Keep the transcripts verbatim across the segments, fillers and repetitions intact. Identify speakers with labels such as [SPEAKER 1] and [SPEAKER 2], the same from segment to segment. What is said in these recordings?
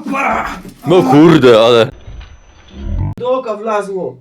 [SPEAKER 1] No kurde, ale...
[SPEAKER 2] Do oka wlazło.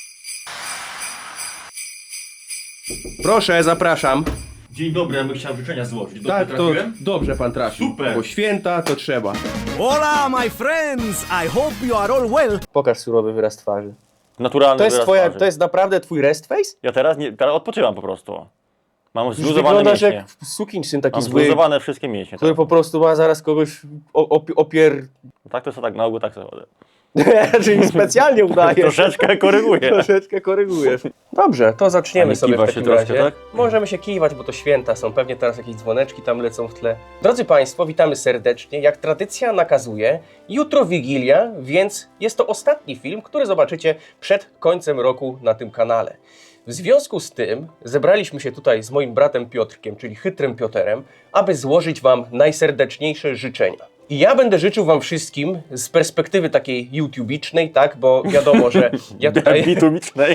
[SPEAKER 2] Proszę, zapraszam.
[SPEAKER 1] Dzień dobry, ja bym chciał życzenia złożyć. Dobrze
[SPEAKER 2] Tak, to
[SPEAKER 1] trafiłem?
[SPEAKER 2] dobrze pan trafił.
[SPEAKER 1] Super.
[SPEAKER 2] Bo święta to trzeba.
[SPEAKER 3] Hola, my friends! I hope you are all well.
[SPEAKER 2] Pokaż surowy wyraz twarzy.
[SPEAKER 1] Naturalny
[SPEAKER 2] To jest
[SPEAKER 1] wyraz
[SPEAKER 2] twoja,
[SPEAKER 1] twarzy.
[SPEAKER 2] to jest naprawdę twój rest face?
[SPEAKER 1] Ja teraz, nie, teraz odpoczywam po prostu. Mam
[SPEAKER 2] Już
[SPEAKER 1] zluzowane
[SPEAKER 2] wyglądasz
[SPEAKER 1] mięśnie.
[SPEAKER 2] jak sukinsyn taki
[SPEAKER 1] Mam
[SPEAKER 2] zły,
[SPEAKER 1] zluzowane wszystkie mięśnie.
[SPEAKER 2] który
[SPEAKER 1] Tak.
[SPEAKER 2] po prostu ma zaraz kogoś o- op- opier...
[SPEAKER 1] tak to jest tak na ogół, tak sobie chodzę.
[SPEAKER 2] Czyli specjalnie udajesz.
[SPEAKER 1] Troszeczkę koryguję.
[SPEAKER 2] Troszeczkę korygujesz. Dobrze, to
[SPEAKER 1] A
[SPEAKER 2] zaczniemy
[SPEAKER 1] nie
[SPEAKER 2] sobie w
[SPEAKER 1] kiwa się
[SPEAKER 2] takim
[SPEAKER 1] troszkę,
[SPEAKER 2] razie.
[SPEAKER 1] tak?
[SPEAKER 2] Możemy się kiwać, bo to święta są. Pewnie teraz jakieś dzwoneczki tam lecą w tle. Drodzy Państwo, witamy serdecznie. Jak tradycja nakazuje, jutro Wigilia, więc jest to ostatni film, który zobaczycie przed końcem roku na tym kanale. W związku z tym zebraliśmy się tutaj z moim bratem Piotrkiem, czyli chytrym Pioterem, aby złożyć Wam najserdeczniejsze życzenia. I ja będę życzył Wam wszystkim z perspektywy takiej youtubicznej, tak, bo wiadomo, że ja tutaj...
[SPEAKER 1] Bitumicznej.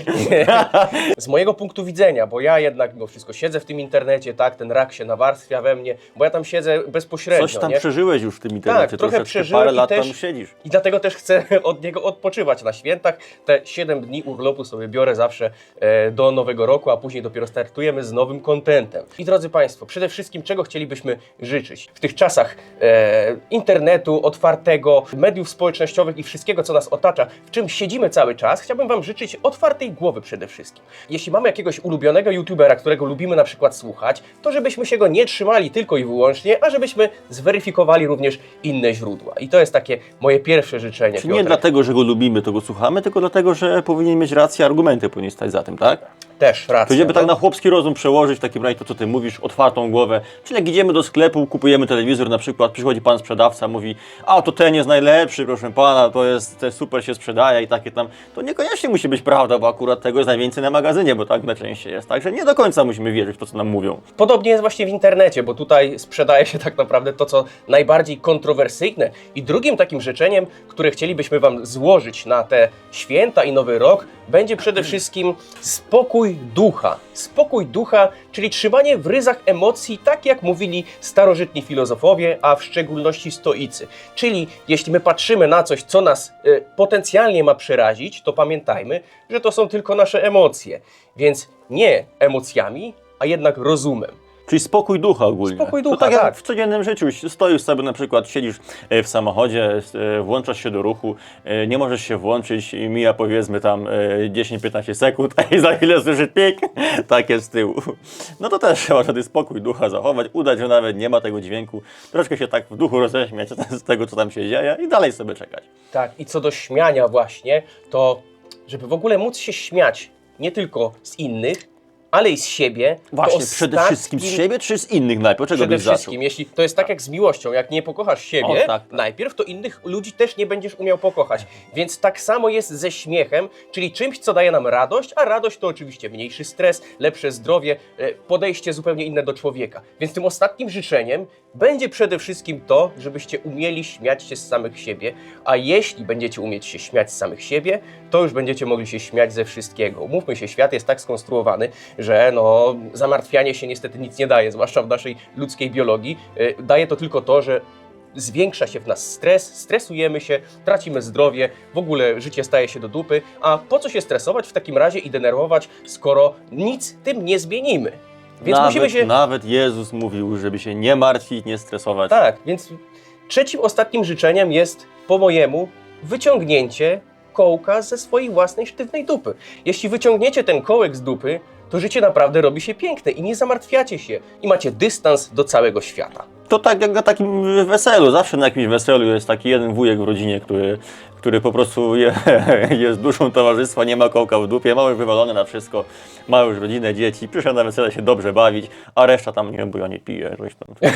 [SPEAKER 2] Z mojego punktu widzenia, bo ja jednak mimo wszystko siedzę w tym internecie, tak, ten rak się nawarstwia we mnie, bo ja tam siedzę bezpośrednio,
[SPEAKER 1] Coś tam
[SPEAKER 2] nie?
[SPEAKER 1] przeżyłeś już w tym internecie.
[SPEAKER 2] Tak, trochę
[SPEAKER 1] troszeczkę,
[SPEAKER 2] przeżyłem
[SPEAKER 1] parę
[SPEAKER 2] i
[SPEAKER 1] lat
[SPEAKER 2] też-
[SPEAKER 1] tam siedzisz.
[SPEAKER 2] I dlatego też chcę od niego odpoczywać na świętach. Te siedem dni urlopu sobie biorę zawsze e, do nowego roku, a później dopiero startujemy z nowym kontentem. I drodzy Państwo, przede wszystkim czego chcielibyśmy życzyć w tych czasach e, internetu, otwartego, mediów społecznościowych i wszystkiego, co nas otacza, w czym siedzimy cały czas, chciałbym Wam życzyć otwartej głowy przede wszystkim. Jeśli mamy jakiegoś ulubionego youtubera, którego lubimy na przykład słuchać, to żebyśmy się go nie trzymali tylko i wyłącznie, a żebyśmy zweryfikowali również inne źródła. I to jest takie moje pierwsze życzenie.
[SPEAKER 1] Czyli nie
[SPEAKER 2] Piotrek.
[SPEAKER 1] dlatego, że go lubimy, to go słuchamy, tylko dlatego, że powinien mieć rację, argumenty powinien stać za tym, tak?
[SPEAKER 2] Też racja.
[SPEAKER 1] To żeby tak
[SPEAKER 2] no.
[SPEAKER 1] na chłopski rozum przełożyć w takim razie to, co ty mówisz, otwartą głowę. Czyli jak idziemy do sklepu, kupujemy telewizor na przykład, przychodzi pan sprzedawca, mówi, a to ten jest najlepszy, proszę pana, to jest, to jest super, się sprzedaje i takie tam. To niekoniecznie musi być prawda, bo akurat tego jest najwięcej na magazynie, bo tak najczęściej jest. Także nie do końca musimy wierzyć w to, co nam mówią.
[SPEAKER 2] Podobnie jest właśnie w internecie, bo tutaj sprzedaje się tak naprawdę to, co najbardziej kontrowersyjne. I drugim takim życzeniem, które chcielibyśmy Wam złożyć na te święta i nowy rok, będzie przede wszystkim spokój ducha. Spokój ducha, czyli trzymanie w ryzach emocji, tak jak mówili starożytni filozofowie, a w szczególności stoicy. Czyli jeśli my patrzymy na coś, co nas y, potencjalnie ma przerazić, to pamiętajmy, że to są tylko nasze emocje. Więc nie emocjami, a jednak rozumem.
[SPEAKER 1] Czyli spokój ducha ogólnie.
[SPEAKER 2] Spokój
[SPEAKER 1] To
[SPEAKER 2] ducha,
[SPEAKER 1] tak jak
[SPEAKER 2] tak.
[SPEAKER 1] w codziennym życiu. Stoisz sobie na przykład, siedzisz e, w samochodzie, e, włączasz się do ruchu, e, nie możesz się włączyć i mija powiedzmy tam e, dziesięć piętnaście sekund, a i za chwilę słyszysz pik, tak jest z tyłu. No to też trzeba wtedy spokój ducha zachować, udać, że nawet nie ma tego dźwięku, troszkę się tak w duchu roześmiać z tego, co tam się dzieje i dalej sobie czekać.
[SPEAKER 2] Tak, i co do śmiania właśnie, to żeby w ogóle móc się śmiać nie tylko z innych, ale i z siebie.
[SPEAKER 1] Właśnie,
[SPEAKER 2] to
[SPEAKER 1] przede
[SPEAKER 2] ostatnim-
[SPEAKER 1] wszystkim z siebie czy z innych najpierw? Czego
[SPEAKER 2] Przede
[SPEAKER 1] byś zaczął?
[SPEAKER 2] wszystkim, jeśli to jest tak jak z miłością, jak nie pokochasz siebie
[SPEAKER 1] O, tak, tak.
[SPEAKER 2] najpierw, to innych ludzi też nie będziesz umiał pokochać. Więc tak samo jest ze śmiechem, czyli czymś, co daje nam radość, a radość to oczywiście mniejszy stres, lepsze zdrowie, e, podejście zupełnie inne do człowieka. Więc tym ostatnim życzeniem będzie przede wszystkim to, żebyście umieli śmiać się z samych siebie, a jeśli będziecie umieć się śmiać z samych siebie, to już będziecie mogli się śmiać ze wszystkiego. Umówmy się, świat jest tak skonstruowany, że no, zamartwianie się niestety nic nie daje, zwłaszcza w naszej ludzkiej biologii. Yy, daje to tylko to, że zwiększa się w nas stres, stresujemy się, tracimy zdrowie, w ogóle życie staje się do dupy, a po co się stresować w takim razie i denerwować, skoro nic tym nie zmienimy? Więc
[SPEAKER 1] nawet,
[SPEAKER 2] musimy się...
[SPEAKER 1] nawet Jezus mówił, żeby się nie martwić, nie stresować.
[SPEAKER 2] Tak, więc trzecim, ostatnim życzeniem jest, po mojemu, wyciągnięcie kołka ze swojej własnej sztywnej dupy. Jeśli wyciągniecie ten kołek z dupy, to życie naprawdę robi się piękne i nie zamartwiacie się i macie dystans do całego świata.
[SPEAKER 1] To tak jak na takim weselu, zawsze na jakimś weselu jest taki jeden wujek w rodzinie, który, który po prostu je, jest duszą towarzystwa, nie ma kołka w dupie, ma już wywalone na wszystko, ma już rodzinę, dzieci, przyszedł na wesele się dobrze bawić, a reszta tam, nie wiem, bo ja nie piję, coś tam.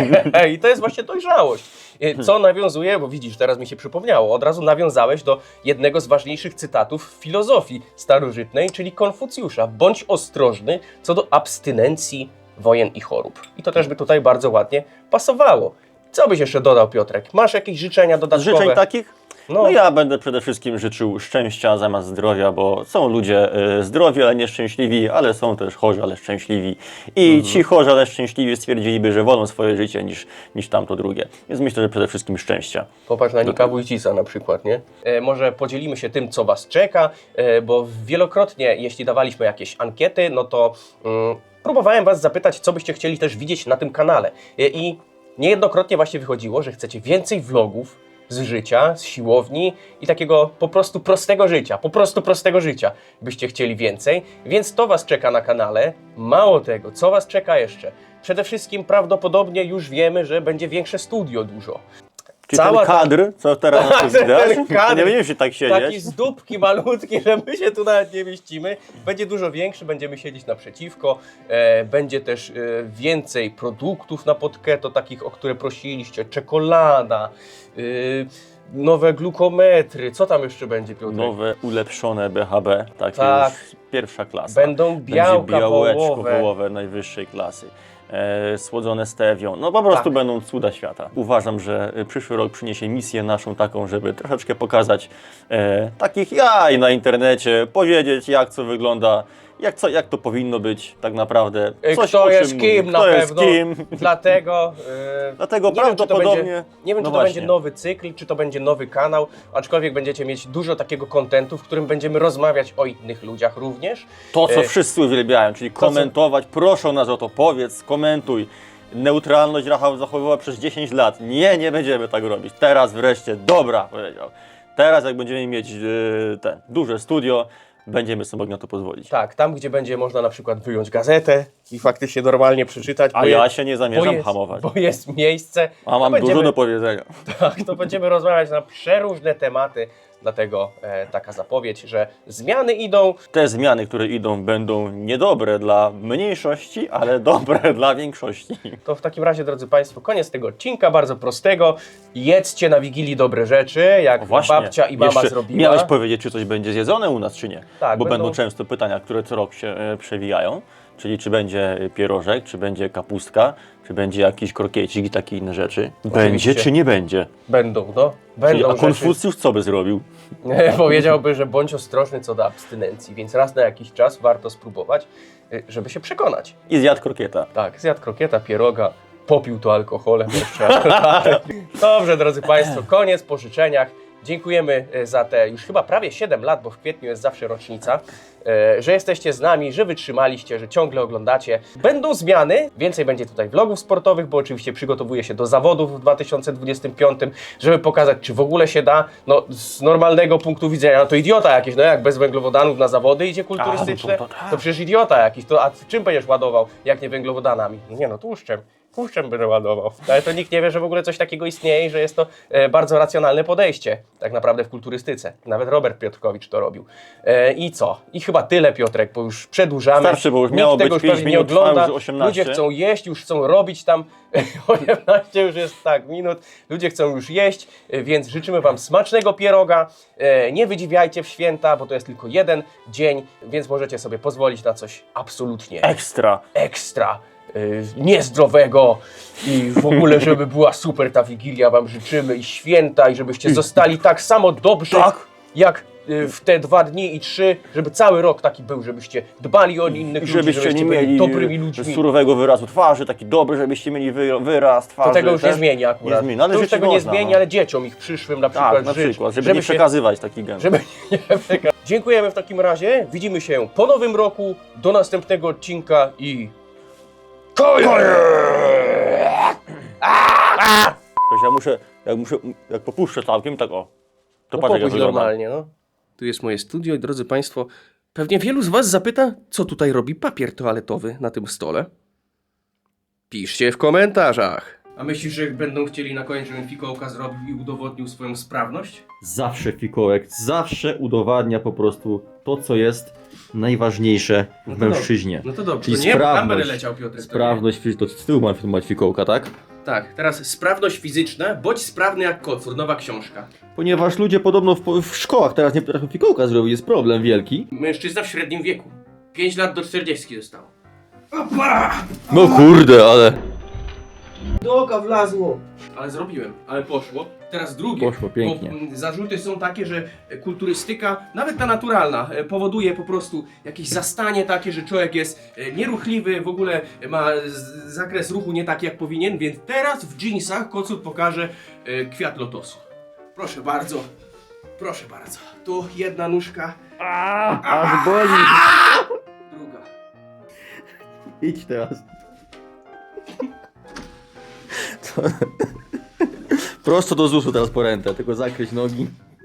[SPEAKER 2] I to jest właśnie dojrzałość. Co nawiązuje, bo widzisz, teraz mi się przypomniało, od razu nawiązałeś do jednego z ważniejszych cytatów w filozofii starożytnej, czyli Konfucjusza. Bądź ostrożny co do abstynencji, wojen i chorób. I to też by tutaj bardzo ładnie pasowało. Co byś jeszcze dodał, Piotrek? Masz jakieś życzenia
[SPEAKER 1] Z
[SPEAKER 2] dodatkowe?
[SPEAKER 1] życzeń takich?
[SPEAKER 2] No.
[SPEAKER 1] No ja będę przede wszystkim życzył szczęścia zamiast zdrowia, bo są ludzie y, zdrowi, ale nieszczęśliwi, ale są też chorzy, ale szczęśliwi. I
[SPEAKER 2] Mhm.
[SPEAKER 1] ci chorzy, ale szczęśliwi stwierdziliby, że wolą swoje życie niż, niż tamto drugie. Więc myślę, że przede wszystkim szczęścia.
[SPEAKER 2] Popatrz na Nika Wójcisa na przykład, nie? E, może podzielimy się tym, co Was czeka, e, bo wielokrotnie, jeśli dawaliśmy jakieś ankiety, no to mm, próbowałem Was zapytać, co byście chcieli też widzieć na tym kanale. E, I niejednokrotnie właśnie wychodziło, że chcecie więcej vlogów z życia, z siłowni i takiego po prostu prostego życia, po prostu prostego życia byście chcieli więcej, więc to Was czeka na kanale. Mało tego, co Was czeka jeszcze? Przede wszystkim prawdopodobnie już wiemy, że będzie większe studio dużo.
[SPEAKER 1] Czy
[SPEAKER 2] Cała
[SPEAKER 1] ten
[SPEAKER 2] ta-
[SPEAKER 1] kadr, co teraz na
[SPEAKER 2] Ten
[SPEAKER 1] widać,
[SPEAKER 2] kadr.
[SPEAKER 1] nie będziemy się tak
[SPEAKER 2] Taki
[SPEAKER 1] siedzieć.
[SPEAKER 2] z dupki malutki, że my się tu nawet nie mieścimy. Będzie dużo większy, będziemy siedzieć naprzeciwko. E, będzie też e, więcej produktów na podketo, takich, o które prosiliście. Czekolada, e, nowe glukometry. Co tam jeszcze będzie, Piotr?
[SPEAKER 1] Nowe, ulepszone B H B, takie
[SPEAKER 2] Tak.
[SPEAKER 1] już pierwsza klasa.
[SPEAKER 2] Będą białka
[SPEAKER 1] Będzie białeczko
[SPEAKER 2] wołowe.
[SPEAKER 1] wołowe najwyższej klasy. E, słodzone stewią. No po prostu
[SPEAKER 2] Tak.
[SPEAKER 1] będą cuda świata. Uważam, że e, przyszły rok przyniesie misję naszą taką, żeby troszeczkę pokazać e, takich jaj na internecie, powiedzieć jak co wygląda, jak, co, jak to powinno być tak naprawdę.
[SPEAKER 2] E,
[SPEAKER 1] Coś,
[SPEAKER 2] Kto
[SPEAKER 1] o
[SPEAKER 2] jest
[SPEAKER 1] czym
[SPEAKER 2] kim
[SPEAKER 1] mówię.
[SPEAKER 2] na
[SPEAKER 1] Kto jest
[SPEAKER 2] pewno.
[SPEAKER 1] kim.
[SPEAKER 2] Dlatego, e,
[SPEAKER 1] Dlatego
[SPEAKER 2] nie wiem, czy to
[SPEAKER 1] prawdopodobnie...
[SPEAKER 2] będzie, nie wiem,
[SPEAKER 1] no
[SPEAKER 2] czy to będzie
[SPEAKER 1] właśnie.
[SPEAKER 2] nowy cykl, czy to będzie nowy kanał, aczkolwiek będziecie mieć dużo takiego kontentu, w którym będziemy rozmawiać o innych ludziach również.
[SPEAKER 1] To, co
[SPEAKER 2] E,
[SPEAKER 1] wszyscy uwielbiają, czyli
[SPEAKER 2] co-
[SPEAKER 1] komentować. Proszę nas o to, powiedz, komentuj. Neutralność Rafał zachowywała przez dziesięć lat. Nie, nie będziemy tak robić. Teraz wreszcie, dobra, powiedział. Teraz jak będziemy mieć yy, ten duże studio, będziemy sobie mogli na to pozwolić.
[SPEAKER 2] Tak, tam gdzie będzie można na przykład wyjąć gazetę i faktycznie normalnie przeczytać.
[SPEAKER 1] A
[SPEAKER 2] bo
[SPEAKER 1] ja
[SPEAKER 2] jest-
[SPEAKER 1] się nie
[SPEAKER 2] bo
[SPEAKER 1] zamierzam
[SPEAKER 2] jest,
[SPEAKER 1] hamować.
[SPEAKER 2] Bo jest miejsce.
[SPEAKER 1] A mam
[SPEAKER 2] to będziemy,
[SPEAKER 1] dużo do powiedzenia.
[SPEAKER 2] Tak, to będziemy rozmawiać na przeróżne tematy. Dlatego e, taka zapowiedź, że zmiany idą.
[SPEAKER 1] Te zmiany, które idą, będą niedobre dla mniejszości, ale dobre dla większości.
[SPEAKER 2] To w takim razie, drodzy Państwo, koniec tego odcinka, bardzo prostego. Jedzcie na Wigilii dobre rzeczy, jak babcia i mama
[SPEAKER 1] jeszcze
[SPEAKER 2] zrobiła.
[SPEAKER 1] miałeś powiedzieć, czy coś będzie zjedzone u nas, czy nie.
[SPEAKER 2] Tak,
[SPEAKER 1] Bo będą...
[SPEAKER 2] będą-
[SPEAKER 1] często pytania, które co rok się e, przewijają. Czyli czy będzie pierożek, czy będzie kapustka, czy będzie jakiś krokiecik i takie inne rzeczy. Będzie czy nie będzie?
[SPEAKER 2] Będą, no.
[SPEAKER 1] Czyli,
[SPEAKER 2] Będą
[SPEAKER 1] a
[SPEAKER 2] rzeczy.
[SPEAKER 1] Konfucjusz co by zrobił?
[SPEAKER 2] Powiedziałby, że bądź ostrożny co do abstynencji, więc raz na jakiś czas warto spróbować, y, żeby się przekonać.
[SPEAKER 1] I zjadł krokieta.
[SPEAKER 2] Tak, zjadł krokieta, pieroga, popił to alkoholem jeszcze. Dobrze, drodzy Państwo, koniec po życzeniach. Dziękujemy e, za te już chyba prawie siedem lat, bo w kwietniu jest zawsze rocznica, e, że jesteście z nami, że wytrzymaliście, że ciągle oglądacie. Będą zmiany, więcej będzie tutaj vlogów sportowych, bo oczywiście przygotowuję się do zawodów w dwa tysiące dwudziestym piątym, żeby pokazać, czy w ogóle się da. No, z normalnego punktu widzenia, no to idiota jakiś, no jak bez węglowodanów na zawody idzie kulturystyczne,
[SPEAKER 1] A, no to- to tak.
[SPEAKER 2] to przecież idiota jakiś, to a czym będziesz ładował, jak nie węglowodanami? No nie no, tłuszczem. Tłuszczem będę ładował. Ale to nikt nie wie, że w ogóle coś takiego istnieje i że jest to e, bardzo racjonalne podejście tak naprawdę w kulturystyce. Nawet Robert Piotrkowicz to robił. E, I co? I chyba tyle, Piotrek, bo już przedłużamy.
[SPEAKER 1] Starczy, bo już
[SPEAKER 2] Nikt
[SPEAKER 1] miało
[SPEAKER 2] tego
[SPEAKER 1] być
[SPEAKER 2] już
[SPEAKER 1] pięć
[SPEAKER 2] pewnie nie
[SPEAKER 1] minut, trwa
[SPEAKER 2] ogląda.
[SPEAKER 1] już osiemnaście.
[SPEAKER 2] Ludzie chcą jeść, już chcą robić tam osiemnaście już jest tak minut. Ludzie chcą już jeść, e, więc życzymy Wam smacznego pieroga. E, nie wydziwiajcie w święta, bo to jest tylko jeden dzień, więc możecie sobie pozwolić na coś absolutnie
[SPEAKER 1] Ekstra.
[SPEAKER 2] ekstra, y, niezdrowego i w ogóle, żeby była super ta Wigilia, Wam życzymy i święta i żebyście zostali tak samo dobrzy,
[SPEAKER 1] Tak.
[SPEAKER 2] jak y, w te dwa dni i trzy, żeby cały rok taki był, żebyście dbali o innych
[SPEAKER 1] I
[SPEAKER 2] ludzi,
[SPEAKER 1] żebyście nie
[SPEAKER 2] byli
[SPEAKER 1] mieli
[SPEAKER 2] dobrymi ludźmi.
[SPEAKER 1] surowego wyrazu twarzy, taki dobry, żebyście mieli wy, wyraz twarzy.
[SPEAKER 2] To tego już nie
[SPEAKER 1] też.
[SPEAKER 2] zmieni akurat.
[SPEAKER 1] Nie zmieni, ale
[SPEAKER 2] to już
[SPEAKER 1] życzyć
[SPEAKER 2] tego nie
[SPEAKER 1] można,
[SPEAKER 2] zmieni,
[SPEAKER 1] no.
[SPEAKER 2] ale dzieciom ich przyszłym na przykład
[SPEAKER 1] Tak, na
[SPEAKER 2] życz,
[SPEAKER 1] przykład, żeby, nie
[SPEAKER 2] się-
[SPEAKER 1] przekazywać taki gen.
[SPEAKER 2] Żeby nie przeka- Dziękujemy w takim razie. Widzimy się po nowym roku. Do następnego odcinka i... Koniec!
[SPEAKER 1] Wiesz, ja muszę, jak muszę, jak popuszczę całkiem, tak o. To
[SPEAKER 2] No
[SPEAKER 1] patrz jak ja
[SPEAKER 2] popuść
[SPEAKER 1] wyglądam.
[SPEAKER 2] normalnie, no. Tu jest moje studio i drodzy Państwo, pewnie wielu z Was zapyta, co tutaj robi papier toaletowy na tym stole. Piszcie w komentarzach. A myślisz, że będą chcieli na koniec, żebym fikołka zrobił i udowodnił swoją sprawność?
[SPEAKER 1] Zawsze fikołek, zawsze udowadnia po prostu to, co jest najważniejsze
[SPEAKER 2] No
[SPEAKER 1] w
[SPEAKER 2] to
[SPEAKER 1] mężczyźnie.
[SPEAKER 2] No to dobrze,
[SPEAKER 1] Czyli
[SPEAKER 2] to nie, bo tam
[SPEAKER 1] sprawność.
[SPEAKER 2] będę leciał, Piotr.
[SPEAKER 1] Sprawność, to z tyłu ma mać fikołka, tak?
[SPEAKER 2] Tak, teraz sprawność fizyczna, bądź sprawny jak kocur, nowa książka.
[SPEAKER 1] Ponieważ ludzie podobno w, w szkołach teraz nie potrafią fikołka zrobić, jest problem wielki.
[SPEAKER 2] Mężczyzna w średnim wieku. pięć lat do czterdziestki zostało. Opa!
[SPEAKER 1] No kurde, ale...
[SPEAKER 2] Do oka wlazło. Ale zrobiłem, ale poszło. Teraz drugie.
[SPEAKER 1] Poszło pięknie.
[SPEAKER 2] Bo mm, zarzuty są takie, że kulturystyka, nawet ta naturalna, e, powoduje po prostu jakieś zastanie takie, że człowiek jest e, nieruchliwy, w ogóle ma z- zakres ruchu nie taki jak powinien, więc teraz w dżinsach Kocut pokaże e, kwiat lotosu. Proszę bardzo. Proszę bardzo. Tu jedna nóżka,
[SPEAKER 1] Aż boli.
[SPEAKER 2] druga.
[SPEAKER 1] Idź teraz. To... Prosto do zusu teraz po rękę, tylko zakryć nogi.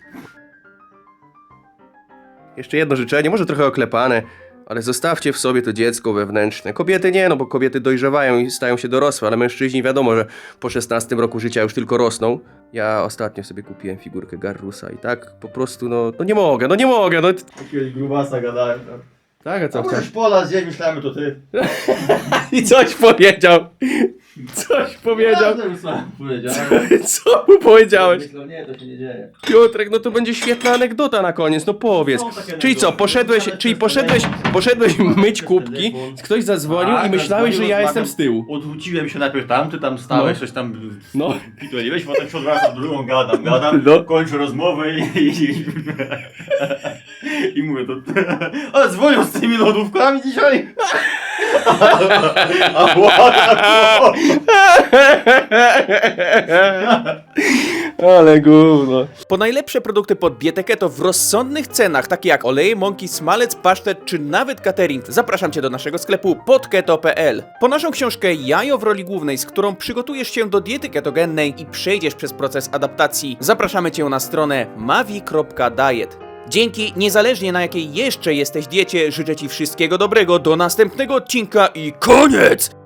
[SPEAKER 2] Jeszcze jedno życzenie, może trochę oklepane, ale zostawcie w sobie to dziecko wewnętrzne. Kobiety nie, no bo kobiety dojrzewają i stają się dorosłe, ale mężczyźni wiadomo, że po szesnastym roku życia już tylko rosną. Ja ostatnio sobie kupiłem figurkę Garrusa i tak po prostu, no, no nie mogę, no nie mogę, no.
[SPEAKER 1] Jakiegoś grubasa gadałem.
[SPEAKER 2] Tak, a co
[SPEAKER 1] Co chcesz pola zjeść, myślałem, to ty.
[SPEAKER 2] I coś powiedział. Coś powiedział.
[SPEAKER 1] Powiedziałem.
[SPEAKER 2] Co mu powiedziałeś?
[SPEAKER 1] Myślę, nie, to się nie dzieje.
[SPEAKER 2] Piotrek, no to będzie świetna anegdota na koniec, no powiedz.
[SPEAKER 1] Są takie
[SPEAKER 2] Czyli co,
[SPEAKER 1] anegdoty.
[SPEAKER 2] poszedłeś,
[SPEAKER 1] Nawet
[SPEAKER 2] czyli
[SPEAKER 1] przez
[SPEAKER 2] poszedłeś,
[SPEAKER 1] telefon.
[SPEAKER 2] poszedłeś myć
[SPEAKER 1] przez
[SPEAKER 2] kubki,
[SPEAKER 1] telefon.
[SPEAKER 2] ktoś zadzwonił
[SPEAKER 1] Tak,
[SPEAKER 2] i myślałeś, że ja
[SPEAKER 1] zadzwonił,
[SPEAKER 2] jestem z tyłu.
[SPEAKER 1] Odwróciłem się najpierw tam, ty tam stałeś,
[SPEAKER 2] No.
[SPEAKER 1] coś tam
[SPEAKER 2] No.
[SPEAKER 1] pituliłeś, potem się odwracam drugą, gadam, gadam,
[SPEAKER 2] No.
[SPEAKER 1] kończę rozmowę i, i, i mówię to... Ale dzwonią z tymi lodówkami dzisiaj! A ładna.
[SPEAKER 2] Ale gówno. Po najlepsze produkty pod dietę keto w rozsądnych cenach, takie jak oleje, mąki, smalec, pasztet czy nawet catering, zapraszam Cię do naszego sklepu podketo kropka p l. Po naszą książkę Jajo w roli głównej, z którą przygotujesz się do diety ketogennej i przejdziesz przez proces adaptacji, zapraszamy Cię na stronę mavi kropka diet. Dzięki, niezależnie na jakiej jeszcze jesteś diecie, życzę Ci wszystkiego dobrego, do następnego odcinka i koniec!